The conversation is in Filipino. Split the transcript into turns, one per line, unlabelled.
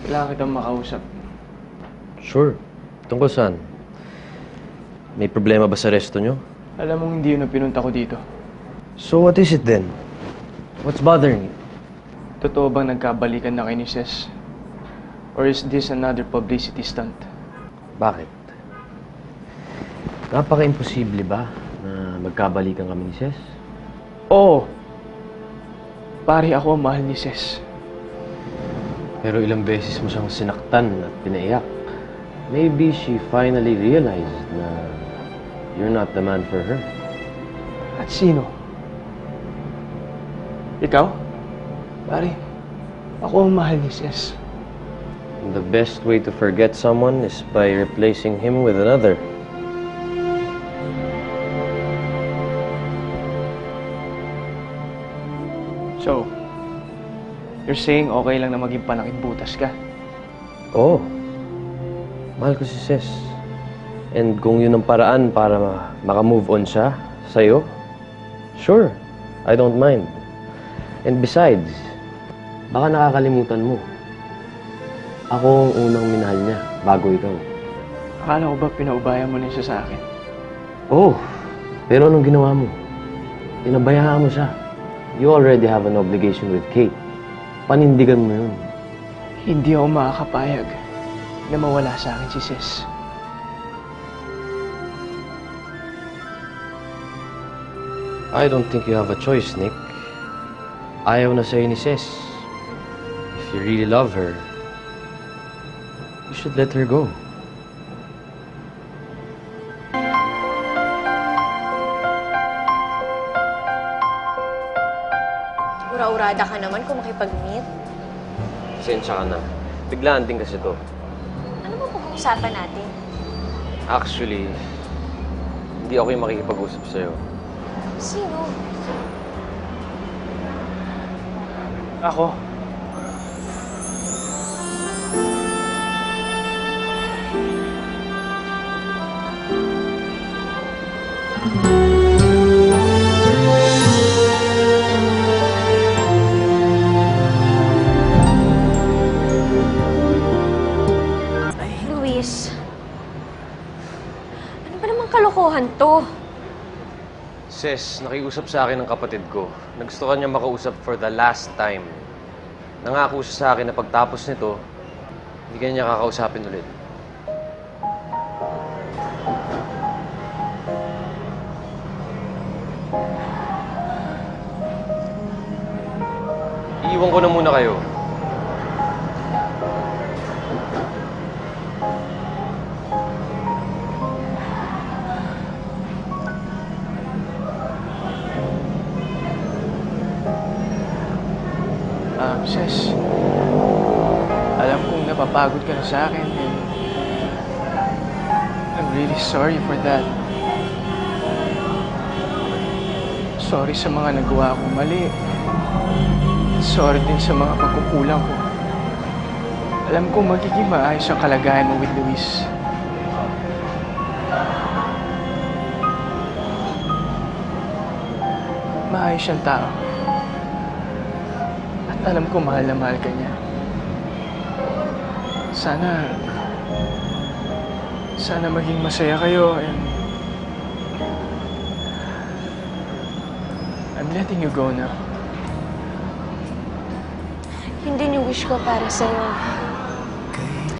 Kailangan kitang makausap.
Sure. Tungkol saan? May problema ba sa resto nyo?
Alam mong hindi yun ang pinunta ko dito.
So what is it then? What's bothering you?
Totoo bang nagkabalikan na kayo ni Ces? Or is this another publicity stunt?
Bakit? Napaka-imposible ba na magkabalikan kami ni Ces?
Oo! Pare, ako ang mahal ni Ces.
Pero ilang beses mo siyang sinaktan at pinaiyak. Maybe she finally realized na you're not the man for her.
At sino? Ikaw? Pare, ako ang mahal ni Ces.
And the best way to forget someone is by replacing him with another.
So, you're saying okay lang na maging panakit butas ka?
Oo. Mahal ko si Ces. And kung yun ang paraan para maka-move on siya sa'yo, sure, I don't mind. And besides, baka nakakalimutan mo. Ako ang unang minahal niya, bago ikaw.
Akala ko ba pinaubaya mo na siya sa akin?
Oh, pero anong ginawa mo? Pinabayaan mo siya. You already have an obligation with Kate. Panindigan mo yun.
Hindi ako makakapayag na mawala sa akin si Ces.
I don't think you have a choice, Nick. Ayaw na sa'yo ni Ces. If you really love her, you should let her go.
Ura-urada ka naman kung makipag-meet.
Pasensya ka na. Biglaan din kasi to.
Ano ba pag-uusapan natin?
Actually, hindi ako yung makikipag-usap sa'yo.
Sino?
Ako?
Luis. Ano ba namang kalokohan to?
Ces, nakiusap sa akin ng kapatid ko. Nagusto ka niya makausap for the last time. Nangako siya sa akin na pagtapos nito, hindi ka niya kakausapin ulit. Iiwan ko na muna kayo.
Ces, alam kong napapagod ka na sa akin and I'm really sorry for that. Sorry sa mga nagawa kong mali. Sorry din sa mga pagkukulang ko. Alam kong magiging maayos ang kalagayan mo with Luis. Maayos siyang tao. At alam ko mahal na mahal ka niya. Sana maging masaya kayo and I'm letting you go now.
Yun din yung wish ko para sa'yo.